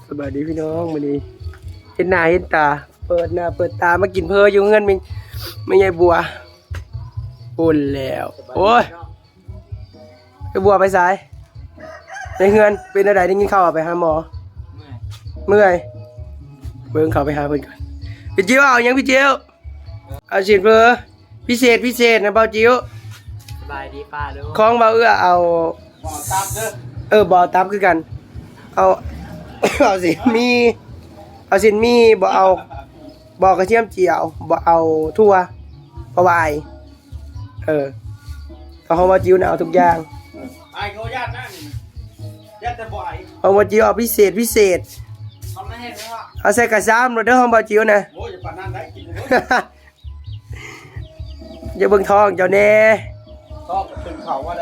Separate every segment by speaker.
Speaker 1: สวัสดีพี่น้องวันนี้เห็นหน้าเห็นตาเปิดหน้าเปิดตามากินเพออยู่เงินมิงไม่ใช่บัวปุ่นแล้วโอ้ยไอ้บัวไปสายในเงินเป็นอะไรได้กินข้าวไปหาหมอเมื่อยเบิ่งเขาไปหาเพิ่นก่อนพี่จิ๋วเอายังพี่จิ๋วเอาฉีดเพอพิเศษนะเบาจิ๋ว
Speaker 2: สบายดีป้าลูก
Speaker 1: ของเบาเอื้อเอา
Speaker 2: บ่อตับเด้อ
Speaker 1: บ่อตับคือกันเอา เอาสิมีเอาสิมีบ่เอาบ่กระเทียมเจียวบ่เอาทั่วบ่วายเขาว่าจิ้วน่ะเอาทุกอย่าง
Speaker 2: ไอ้เขาญาตินั่นญาติแต่บ่อย
Speaker 1: เอาว่าจิ้วเอาพิเศษ
Speaker 2: เขาไม่ให้เลยว่า
Speaker 1: เอาใส่กระซ้ำรถเด้อของบ่จิ้วนะ
Speaker 2: โอ้ยอย่าปานนั้นได้กินเลย
Speaker 1: อย่าเบิ่งท้องเจ้าแน่
Speaker 2: ชอบเป็นเขาว่าได้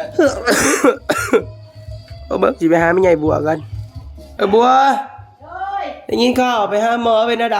Speaker 1: เอาเบิ่งสิไปหาแม่ใหญ่บัวกันบัวได้ยินข่าวไปหาหมอเป็นอะไร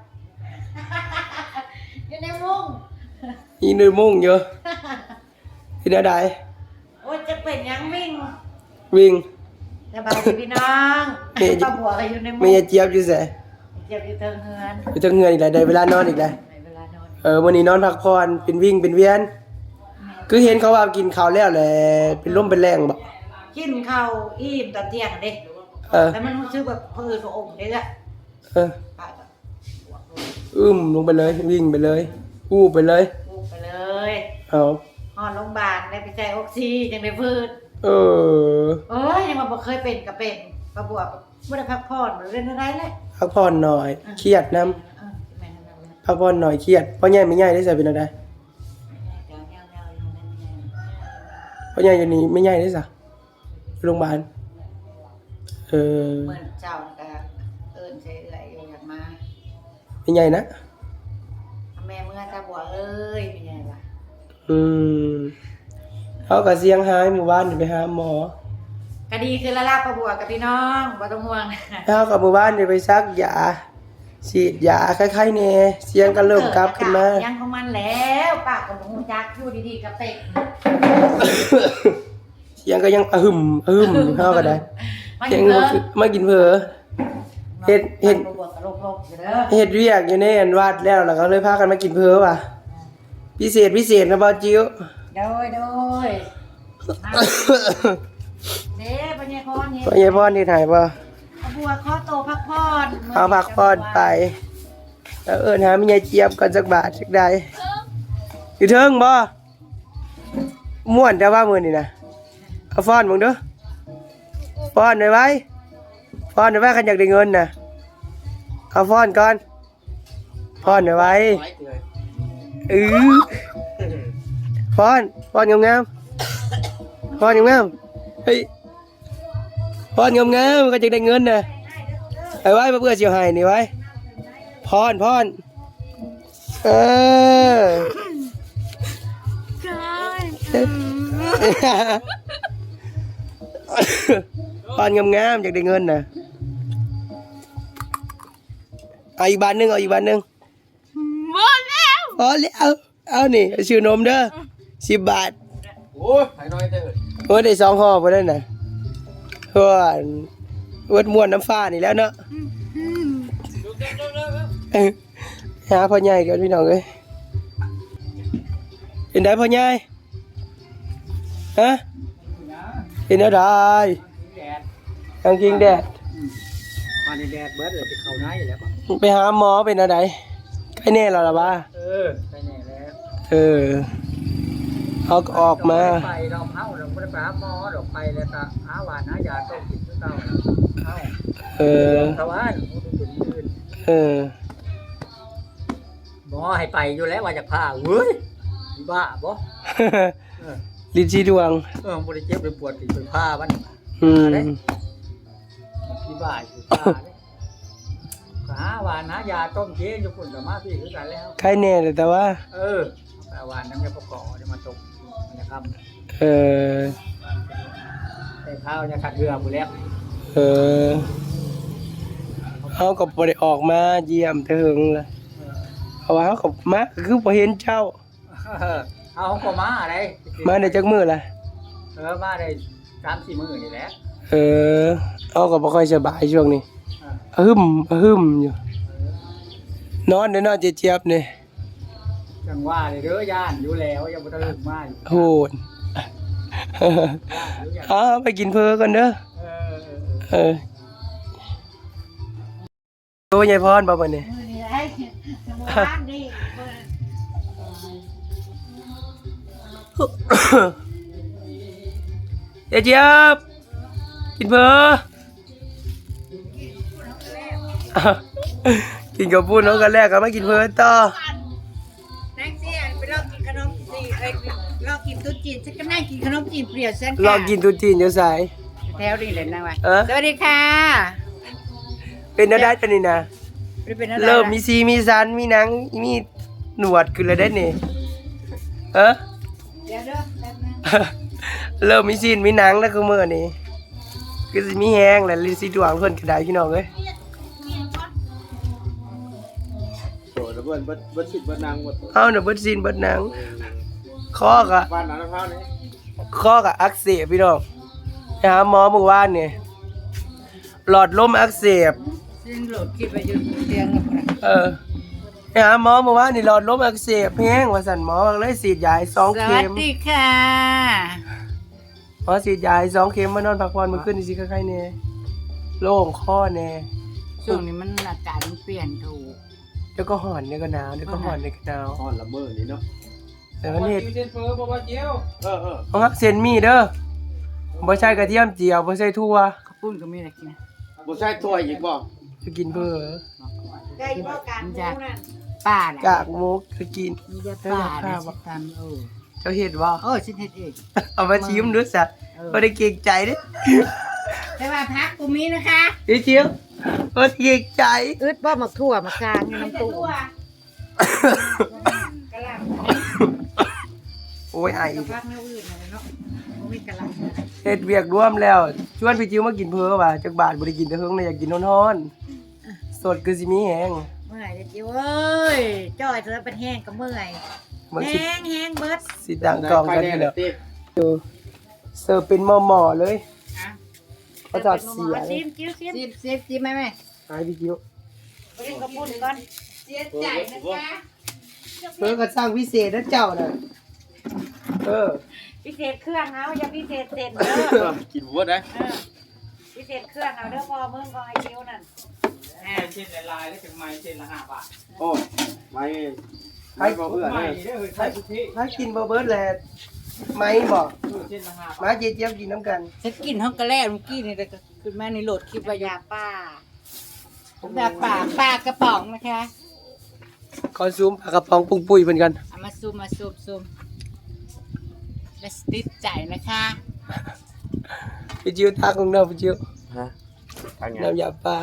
Speaker 3: อยู่ในมุ้ง
Speaker 1: ยินในมุ้งเยอะเป็นอะไร
Speaker 3: โอ้ยจะเป็นยัง
Speaker 1: วิ่ง
Speaker 3: สบายดีพี่น้องป้าบัวก็อยู่ในมุ้ง
Speaker 1: ไม่เจี๊ยบอยู่แส
Speaker 3: เจี๊ยบอยู่เทิงเฮือน
Speaker 1: อยู่เทิงเฮือนอีกแล้วได้เวลานอนอีกแล้ววันนี้นอนพักผ่อนเป็นวิ่งเป็นเวียนคือเห็นเขาว่ากินข้าวแล้วแหละเป็นลมเป็นแรงบ่
Speaker 3: กินข้าวอิ่มตอนเที่ยงเด้แต่มันรู้สึกแบบผืนพระองค์เด้อ
Speaker 1: ลงไปเลยวิ่งไปเลยอู้ไปเลยเอา
Speaker 3: ห่อโรงพยาบาลได้ไปใช้ออกซิยังได้พืชยังมาบอกเคยเป็นก็เป็นป้าบัวไม่ได้พักผ่อนหรือเล่นอะไรเลย
Speaker 1: พักผ่อนหน่อยเครียดน้ำพักผ่อนหน่อยเครียดเพราะใหญ่ไม่ใหญ่ได้ใส่เป็นอะไรเพราะใหญ่อยู่นี่ไม่ใหญ่ได้สักโรงพยาบาล
Speaker 3: เหมือนเจ้าก็ใช้อะไรอยากมา
Speaker 1: ไม่ใหญ่นะ
Speaker 3: แม่เมื่อตาบัวไม่ใหญ่ละ
Speaker 1: เขากับเสียงหายหมู่บ้านไปหาหมอ
Speaker 3: คดีคือละลาบประบัวกับพี่น้องบ่ต้องห่วง
Speaker 1: เขากับหมู่บ้านไปซักยาฉีดยาคล้ายๆเนี่ยเสียงก็เริ่มกลับขึ้นมา
Speaker 3: ยังของมันแล้วปากกับหูจักอยู่ดีๆกับเตะ
Speaker 1: เสียงก็ยังเขาก็ได้เสียงมากินเผลอเฮ็ดเรียกอยู่ในอันวาดแล้วก็เลยพากันมากินเผลอว่ะพิเศษนะบ่จิ๋ว
Speaker 3: โดยเด้ปัญญาพร
Speaker 1: นี่ถ่ายป่ะ
Speaker 3: บัวข้อโตพักผ่อน
Speaker 1: เอาพักผ่อนไปแล้วหาแม่ใหญ่เจี๊ยบกันสักบาทสักใดอยู่เทิงบ่ม่วนแต่ว่ามื้อนี่นะเอาฟ้อนมึงเด้อฟ้อนได้ไว้คันอยากได้เงินน่ะเอาฟ้อนก่อนฟ้อนได้ไว้ฟ้อนงามเฮ้ยฟ้อนงามก็จะได้เงินน่ะไอ้ไว้เพื่อเสียวหายนี่ไว้ฟ้อนฟ้อนงามจากได้เงินน่ะเอาอีกบาทนึง
Speaker 3: หมดแล้ว
Speaker 1: เอานี่ชื่อนมเด้อ10 บาท
Speaker 2: โอ้ยหายน้อยเด้
Speaker 1: อได้2 ห่อพอได้น่ะเพื่อนวัดม่วนน้ำฟ้านี่แล้วเนาะหาพ่อใหญ่กันพี่น้องเอ้ยเป็นได้พ่อใหญ่ฮะเป็นอะไรกางกิงแดด
Speaker 2: มาในแดดเบิร์ดเลยไปเข้าน้าอยู่แล้ว
Speaker 1: ไปหาหมอเป็นอะไรใกล้แน่แล้วล่ะบ้า
Speaker 2: ไปแน่แล้ว
Speaker 1: เขาออกมา
Speaker 2: ไปเราเข้าเราไม่ได้ไปหาหมอเราไปแล้วก็หาหวานหายาต้องกินเต้าชาวบ้านหมอให้ไปอยู่แล้วว่าจะพาเว้ยบ้าบ่
Speaker 1: ลิ้นชี้ดวง
Speaker 2: บริเจ็บเลยปวดติดเป็นผ้าบ้านที่บ้าอยู่ผ้าหาหวานหายาต้มเจ๊อยู่คนกับมาพี่คือกันแล้ว
Speaker 1: ใครแน่เลยแต่ว่า
Speaker 2: แต่หวานน้ำยาประกอบจะมาตกนะครับแต่ข้าวจะขัดเรือหมดแล้ว
Speaker 1: เขาก็บ่ได้ออกมาเยี่ยมถึงเลยเขาว่าเขาก็มาคือบ่เห็นเจ้า
Speaker 2: เอาก็มาอะไร
Speaker 1: มาได้จักมื้อล่ะ
Speaker 2: มาได้3-4 มื้อนี่แหละ
Speaker 1: เอาก็บ่ค่อยสบายช่วงนี้หึมอยู่นอนเด้อนอนเจี๊ยบๆนี่
Speaker 2: จังว่าเลยเด้อย่านอยู่แล้วยังบ่ทันถึงมาอยู่
Speaker 1: โหดไปกินเพอกันเด้อ
Speaker 2: เออ
Speaker 1: โอ้ยายพรบ่บัดนี้
Speaker 3: มื้อนี้ไอ้บ้านนี่
Speaker 1: เจี๊ยบกินเพอกินกับปุ้นน้องกันแรกก็มากินเพอต่อ
Speaker 3: แท็กซี่ไปลองกินขนมจีนลองกินตุ๊จีนฉันก็นั่งกินขนมจีนเปรี้ยวเส้น
Speaker 1: ลองกินตุ๊จีนอยู่ไส
Speaker 3: แถวนี้เลยนะวะ
Speaker 1: เออ
Speaker 3: สวัสดีค่ะ
Speaker 1: เป็นได้ปะนี่นะ
Speaker 3: เป็นอะไร
Speaker 1: เริ่มมีซีมีสันมีหนังมีหนวดขึ้นแล้วได้นี่เออ
Speaker 3: เดี๋ยวเด้อแป๊บนึง
Speaker 1: เริ่มมีซีนมีหนังแล้วคือมื้อนี้คือสิมีแฮงแหละลิสิดวงเพิ่นก็ได้พี่น้องเอ้ย
Speaker 4: โอ้แล้วเบิ้ลสิเบิ้ลนางหมด
Speaker 1: เฮาน่ะเบิดซีนเบิดหนังคอก็
Speaker 4: บ้านนั้นนะเท่านี้
Speaker 1: คอก็อักเสบพี่น้องไปหาหมอเมื่อวานนี่หลอดลมอักเสบ
Speaker 3: ซึ่งโหลดคลิปไปอยู่เตียงกับ
Speaker 1: ไปหาหมอเมื่อวานนี่หลอดลมอักเสบแฮงว่าสั่นหมอเลยฉีดยาให้2
Speaker 3: ส
Speaker 1: เข็
Speaker 3: วัส
Speaker 1: ม
Speaker 3: ดีค่ะ
Speaker 1: หมอฉีดยาให้2 เข็มมานอนพักผ่อนมื้อคืนนี่สิคล้ายๆแน่โล่งคอแน่
Speaker 3: ช่วงนี้มันอากาศมันเปลี่ยนถูก
Speaker 1: เดี๋ยวก็ร้อนเดี๋ยวก็หนาวเดี๋ยวก็ร้อนเดี๋ยวก็หนาว
Speaker 4: อ่อนละเมอนี่เนาะ
Speaker 1: แต่มันเฮ็ด
Speaker 2: เส้นเฟอบ่ว่าเจียว
Speaker 1: เอาฮักเส้นมีเด้อบ่ใช่กระเทียมเจียวบ่ใช่ถั่ว
Speaker 3: ข้าวปุ้นก็มีอะไรกิน
Speaker 4: บ่ใช่ถ้วยอีกบ่
Speaker 1: จะกินเพ้อ
Speaker 3: ได้ยินว่าการมูนั่นป้าน่ะ
Speaker 1: กากหมูก็กิน
Speaker 3: มีแต่ป้าน่ะสิตาม
Speaker 1: เจ้าเฮ็ดบ่
Speaker 3: ฉันเฮ็ดเอง
Speaker 1: เอามาชิมดูซะบ่ได้เกรงใจเด้
Speaker 3: แต่ว่าพักกูมีนะคะ
Speaker 1: อีเจียวบ่ได้เกรงใจ
Speaker 3: อึดบ่หมักถั่วหมักจางอยู่น้ำตู้กะหล่ำ
Speaker 1: โอ้ยไอ
Speaker 3: กับพักแนวอื่นอะไรเนาะบ่มีกะหล่ำ
Speaker 1: เฮ็ดเวียกร่วมแล้วชวนพี่จิ๋วมากินเพ้อว่ะจักบาทบ่ได้กินแต่เฮิงเลยอยากกินร้อนๆสดคือสิมีแฮง
Speaker 3: เมื่อยเด้อจิ๋วเอ้ยจ้อยเธอเป็นแห้งก็เมื่อย
Speaker 1: มัน
Speaker 3: แห้งแห้งเบิด
Speaker 1: สิดังกองกันอยู่แล้ว
Speaker 4: ติ
Speaker 1: เสิร์ฟเป็นหม้อๆเลย
Speaker 3: อ่ะ
Speaker 1: เขาจัดเสียเล
Speaker 3: ซิ
Speaker 1: ย
Speaker 3: มจิ้วซิมจิ้มไหม
Speaker 1: หายพี่จิ๋ว
Speaker 3: ไปกินข้าวปุ้นก่อนเสียใจนะจ๊ะ
Speaker 1: เพิ่นก็สร้างพิเศษนะเจ้าน่ะ
Speaker 3: พิเศษเครื่องเอาอย่าพิเศษเสร็จเด้อ
Speaker 4: กินบ่ได้
Speaker 3: พิเศษเครื่องเอาเด้อพอมึงของไอ้จิ๋วนั่น
Speaker 2: เส้นลายแล้วถึงไม้เส้นละ5 บาท
Speaker 4: โอ้ไม่บ่เพื่อน
Speaker 2: ไม่
Speaker 4: เลย
Speaker 2: เด้อใช้ทุกที่
Speaker 1: ถ้ากินบ่เบิดแหละไหม่บ่
Speaker 2: เส้นละ5 บาท
Speaker 1: มาเจี๊ยบกินน้ำกัน
Speaker 3: ฉันกินห้องกระแลเมื่อกี้นี่แต่ก็ขึ้นมาในโหลดคลิปว่ายาป้ายาป่าปลากระป๋องนะคะ
Speaker 1: ขอซูมปลากระป๋องปุ้งปุ้ยเพิ่นกัน
Speaker 3: เอามาซูมและสติดใจนะคะ
Speaker 1: พี่จิ๋วทักของเราพี่จิ๋ว
Speaker 4: ฮะทางไง
Speaker 1: น้ำยาปลา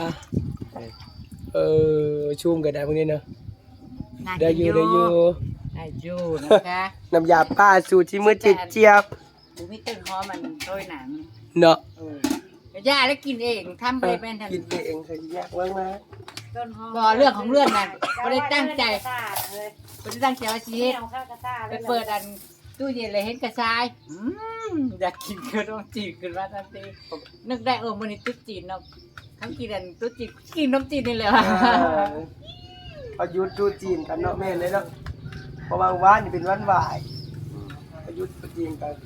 Speaker 1: ชุ่มก็ได้พวกนี้เนาะ
Speaker 3: น่า
Speaker 1: ได้
Speaker 3: กิน
Speaker 1: อยู่ได้อยู่
Speaker 3: ได้อยู่นะคะ
Speaker 1: น้ำยาปลาสูตรที่มือเจี๊ยบ
Speaker 3: บุมีต้นหอมมันโรยหนัง
Speaker 1: เนาะ
Speaker 3: ย่าแล้วกินเองทำไปเป็นทัน
Speaker 1: กินเองเคยแยกไว้มา
Speaker 3: ต้นหอมบ่เรื่องของเรื่องนั่นไม่ได้ตั้งใจไม่ได้ตั้งใจว่าชีวิตไปเปิดอันตู้เย็นเลยเห็นกระชายอยากกินขนมจีนขึ้นมาทันทีนึกได้มันนี่ตุ๊จีนเนาะทั้งกินอันตุ๊จีนกินขนมจีนนี่แหละ
Speaker 1: ประยุทธ์จูจีนกันเนาะแม่เลยเนาะเพราะบางวันนี่เป็นวันบ่ายประยุทธ์จูจีนกัน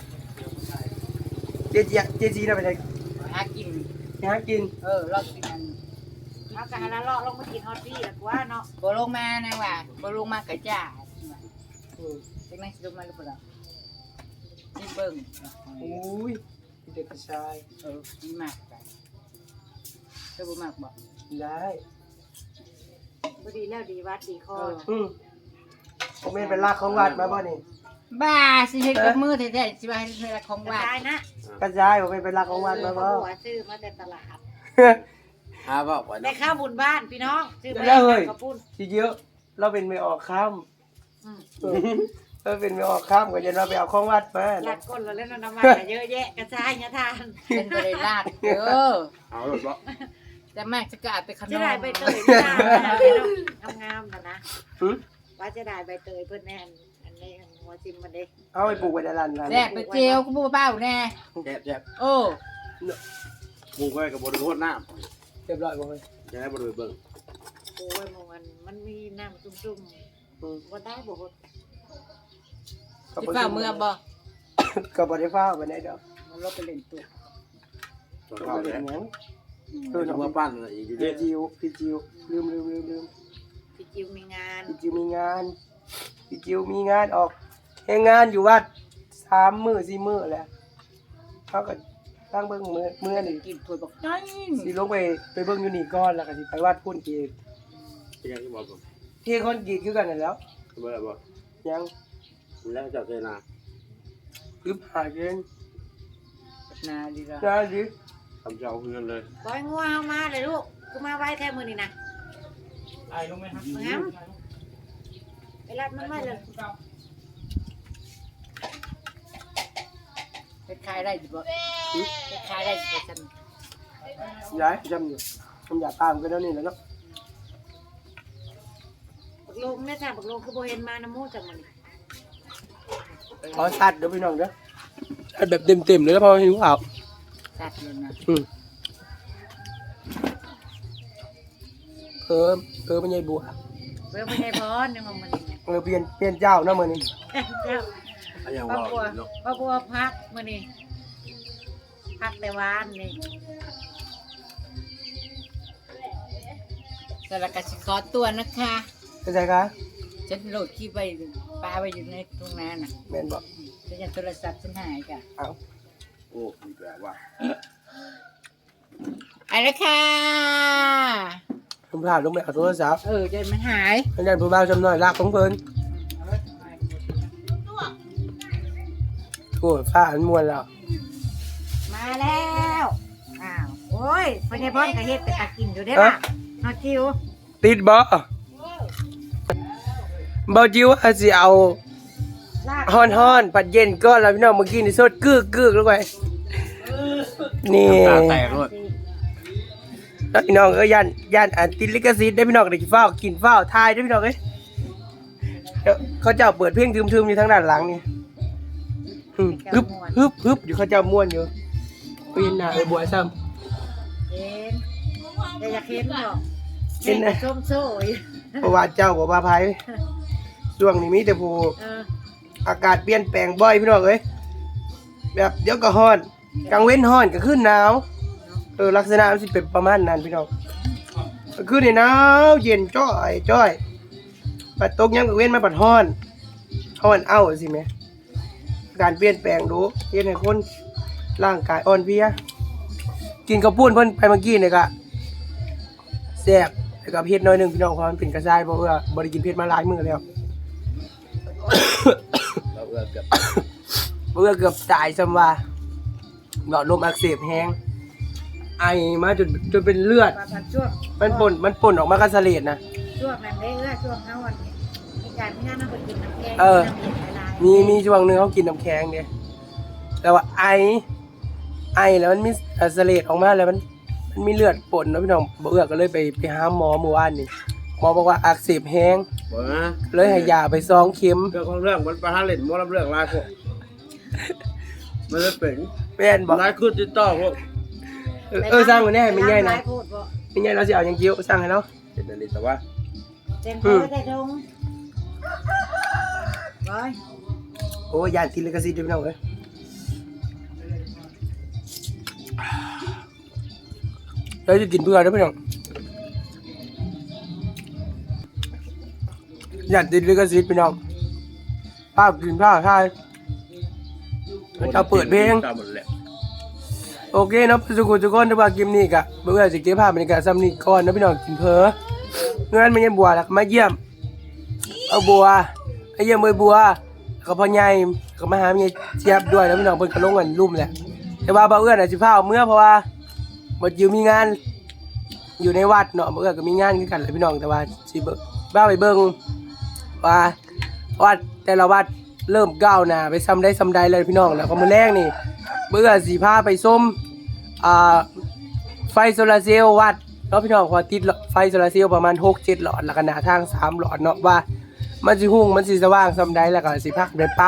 Speaker 1: เจ๊จีน่ะไปไหน
Speaker 3: หากิน
Speaker 1: หากิน
Speaker 3: ลองกินอันเอากะละเลาะลงมากินฮอตปี้ละกว่าเนาะบ่ลงมานะว่าบ่ลงมากะจ้าจังนั้นสิลงมาหรือเปล่าสิเบิ่ง
Speaker 1: อุ้ยเด็กกระชาย
Speaker 3: ดีมากจ้ะเธอบ่มากบ่
Speaker 1: ได้
Speaker 3: บ่ดีแล้วดีวัดดีคอ
Speaker 1: ผมเป็นลากของวัดมาบ่นี่
Speaker 3: บ้าสิเฮ็ดกับมือแท้ๆสิว่าให้เฮ็ดของวัดได้นะ
Speaker 1: กระจายผมเป็นลากของวัดมาบ่
Speaker 3: หัวซื้อมาแต่ตลาด
Speaker 4: หาบ่ว่า
Speaker 3: ได้ข้าวบุญบ้านพี่น้องซื้อมา
Speaker 1: แล้วเฮ้ย
Speaker 3: กระปุ้น
Speaker 1: ทีเยอะเราเป็นไม่ออกข้ามเราเป็นไม่ออกข้ามก็จะเราไปเอาของวัดมา
Speaker 3: ลาดก้นแล้วเล่นน้ำมันเยอะแยะกระชายเนี่ยทานเป็นบ่ได้ลาด
Speaker 4: เอาหรอบ่
Speaker 3: แต่มากจะกอาดไปขนมจะได้ใบเตยงามๆนะว่าจะได้ใบเตยเพื่อนแน่อันนี้หัวจิมมันเด้
Speaker 1: เอาไปปลูกไว้ในร้านกัน
Speaker 3: แซ่บไปเจียวกูบ่เป้าแน่
Speaker 4: แซ่บ
Speaker 3: โอ้
Speaker 4: หมูไว้กับบ่ได้โคตรน้
Speaker 1: เรียบร้อยบ่เฮ้ย
Speaker 4: จะให้บ่ได้เบิ่ง
Speaker 5: โอ้ยมันมีน้ำจุ่มๆบ่ได้บ่ฮด
Speaker 3: สิฟ้าเมื่อบ่
Speaker 1: ก็บ่ได้ฟ้าวไปไหนดอก
Speaker 3: มันลบไปเล่นตัว
Speaker 4: ตอน
Speaker 1: ก็
Speaker 4: เข้า
Speaker 1: บ่
Speaker 4: เล
Speaker 1: ได้
Speaker 4: ย
Speaker 1: หยัง
Speaker 4: คือจะมาปั้นอะไรอีกอยู่
Speaker 1: พี่
Speaker 4: เด้
Speaker 1: จิวพี่จิวลืม
Speaker 5: พี่จิวมีงาน
Speaker 1: พี่จิวมีงานพี่จิวมีงานออกแค่งานอยู่วัด3 มื้อ 4 มื้อแหละเขาก็ตั้งเบิ่งมื้อนี่
Speaker 3: กินถ้วยบักน้อย
Speaker 1: สิลงไปเบิ่งอยู่นี่ก่อนแล้วก็สิไปวัดพุ่นอีก
Speaker 4: เป็นยังที่บอกผม
Speaker 1: ที่คนกรีดคือกันนั่นแหล้ว
Speaker 4: บ่ได้บ่
Speaker 1: ยัง
Speaker 4: แล้วเจ้าเจนา
Speaker 1: ลืมหาเงิน
Speaker 3: นาดีละ
Speaker 1: ได้ดิ
Speaker 4: ทำเจ้าเงินเลย
Speaker 5: ปล่อยงัวเฮามาเลยลูกกูมาไว้แท้มื้อนี้นะ
Speaker 3: ไอ้ลงไหมครับ
Speaker 5: มึงครับไปรับมันมาเลย
Speaker 3: เฮ็ดขายได้สิบ่เฮ็ดขายได้สิบ่ซั่น
Speaker 1: ย้ายจำอยู่ผมอยากตามกันแล้วนี่แหละเนาะ
Speaker 5: บักลงเนี่ยจ้ะบักลงคือบ่เห็นมาน้ำมูกจังมื้อนี้
Speaker 1: ขอชัดเด้อพี่น้องเด้อชัดแบบเต็มๆเลยแล้วพอหิวข้าว
Speaker 3: ตัดเลยนะ
Speaker 1: เออมันใหญ่บัว
Speaker 5: เบิ่งบ่ได้พรยังว่ามื้อนี้
Speaker 1: เปลี่ยนเจ้าเนาะมื้อนี้
Speaker 5: เจ้า
Speaker 4: อันยัง
Speaker 5: ป้า
Speaker 4: ว่า
Speaker 5: บัว
Speaker 4: เนาะ
Speaker 5: ป้าบัวพักมื้อนี้พักแต่วานนี่
Speaker 3: สารกสิขอตัวนะคะ
Speaker 1: เข้าใจคะ
Speaker 3: ฉันโหลดคลิปไว้ปาไว้อยู่ในตรงนั้นน่ะ
Speaker 1: แม่นบ่
Speaker 3: ฉันจะโทรศัพท์ฉันหายจ้ะ
Speaker 1: เอ้า
Speaker 4: โอ้มีแปลว่า
Speaker 3: ไปแล้วค่ะ
Speaker 1: ผมพาลงไปเอาโทรศัพท์
Speaker 3: จนมันหาย
Speaker 1: อันนั้นผู้บ่าวจำน้อยลากของเพิ่นโอ้ยฟ้าอันม่วนแล้ว
Speaker 5: มาแล้วอ้าวโอ้ยพ่อใหญ่พรก็เฮ็ดแต่ตากินอยู่เด้อล่ะนอจิว
Speaker 1: ติดบ่บ่จิ๋วอาสิเอา
Speaker 5: ลาก
Speaker 1: ฮ้อนๆปัดเย็นก่อนแล้วพี่น้องเมื่อกี้นี่สดกึกๆลงไปนี่
Speaker 4: ตาแตกเลย
Speaker 1: แล้วพี่น้องก็ย่านอันติดลิขสิทธิ์ได้พี่น้องได้กินฟ้าวกินฟ้าวทายได้พี่น้องเอ้ยเดี๋ยวเขาเจ้าเปิดเพลงทึมๆอยู่ทางด้านหลังนี่ฮึบอยู่เขาเจ้าม่วนอยู่ปีนหน้าบัวซ้ำ
Speaker 5: เห็นแต่อยากเห็นดอก
Speaker 1: เห็นนะ
Speaker 5: ส้มโซ่อยู่
Speaker 1: เพราะว่าเจ้าบ่ว่าไผช่วงนี้มีแต่ผู้
Speaker 5: เออ
Speaker 1: อากาศเปลี่ยนแปลงบ่อยพี่น้องเอ้ยแบบเดี๋ยวก็ร้อนกลางเว้นร้อนก็ขึ้นหนาวลักษณะมันสิเป็นประมาณนั้นพี่น้องก็คือนี่หนาวเย็นจ้อยปัดตกยามกลางเว้นมาปัดร้อนเอาสิแม่การเปลี่ยนแปลงดูเฮ็ดให้คนร่างกายอ่อนเพลียกินข้าวปุ้นเพิ่นไปเมื่อกี้นี่ก็แซ่บแล้วก็เผ็ดหน่อยหนึงพี่น้องเพราะมันเป็นกระชายเพราะว่าบ่ได้กินเผ็ดมาหลายมื้อแล้ว
Speaker 4: เราเอื้อเกือบ
Speaker 1: เมื่อเกือบตายซ้ำว่าหลอดลมอักเสบแห้งไอมาจนเป็นเลือด
Speaker 5: ประมาณช่วง
Speaker 1: มันป่นออกมากระเสลดนะ
Speaker 5: ช่วงนั้นได้เอื้อช่วงเฮาวันนี้มีการมีงานนำไปกินน้ำแกง
Speaker 1: เออ
Speaker 5: น้ำเย็นหลายๆ
Speaker 1: มีช่วงหนึงเขากินน้ำแข็งเนี่ยแต่ว่าไอแล้วมันมีเสลดออกมาแล้วมันมีเลือดป่นเนาะพี่น้องบ่เอื้อก็เลยไปหาหมอเมื่อวานนี่หมอบอกว่าอักเสบแห้ง
Speaker 4: บ่นะ
Speaker 1: เลยให้ยาไป2 เข็ม
Speaker 4: เรื่องของเรื่องมันประทานเล่นบ่รับเรื่องหลายพวกมันเลยเป็น
Speaker 1: แม่นบอก
Speaker 4: หลายคือติดต่อพวก
Speaker 1: สร้างมันแน่ไม่ใหญ่นะ
Speaker 5: หลายโพดบ่
Speaker 1: ไม่ใหญ่เราสิเอาหยังกิ้วสร้างให้เรา
Speaker 4: เป็นอันนี้แต่ว่า
Speaker 5: เต็มตัวได้ทงร้อย
Speaker 1: โอ้ยานติดลิขสิทธิ์ด้วยพี่น้องเอ้ยเราจะกินเพื่อนะพี่น้องยานติดลิขสิทธิ์พี่น้องภาพกินภาพถ่ายจะเปิดเพลง
Speaker 4: ตามหมดแหละ
Speaker 1: โอเคเนาะทุกคนที่ว่าเกมนี้กะเมื่อสิเก็บภาพบรรยากาศซ้ำนี้ก่อนนะพี่น้องกินเพอเงินไม่ใช่บัวแล้วมาเยี่ยมเอาบัวไอ้เยี่ยมเอ้ยบัวแล้วก็พ่อใหญ่ก็มาหาเมียเจี๊ยบด้วยแล้วพี่น้องเพิ่นก็ลงกันรุ่มแหละแต่ว่าบ่าวเอื้อนน่ะสิพาเอาเมื่อเพราะว่าบ่อยู่มีงานอยู่ในวัดเนาะบ่าวเอื้อก็มีงานคือกันแหละพี่น้องแต่ว่าสิบ้าไปเบิ่งว่าวัดแต่ละวัดเริ่มก้าวหน้าไปซ้ำได้เลยพี่น้องแล้วก็มื้อแรกนี่บ่าวเอื้อสิพาไปชมไฟโซลาร์เซลล์วัดเนาะพี่น้องพอติดไฟโซลาร์เซลล์ประมาณ 6-7 หลอดแล้วก็หน้าทาง3หลอดเนาะว่ามันสิหุ่งมันสิสว่างส่ำใดแล้วก็สิพักได้ปรับ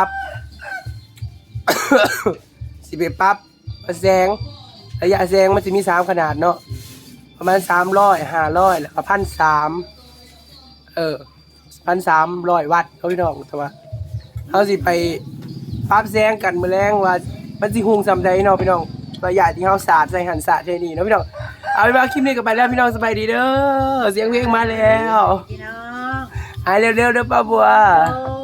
Speaker 1: สิไปปรับแสงระยะแสงมันสิมี3ขนาดเนาะประมาณ300 500แล้วก็1,300 1,300 วัตต์เขาพี่น้องแต่ว่าเขาสิไปปรับแซงกันมื้อแรงว่ามันสิหุงซำใดเนาะพี่น้องระยะที่เฮาสาดใส่หันสาดใส่นี่เนาะพี่น้องเอาเป็นว่าคลิปนี้ก็ไปแล้วพี่น้องสบายดีเด้อเสียงเพลงมาแล้ว
Speaker 5: พี่น้อง
Speaker 1: หายเร็วๆเด้อป้าบัว
Speaker 5: โอ้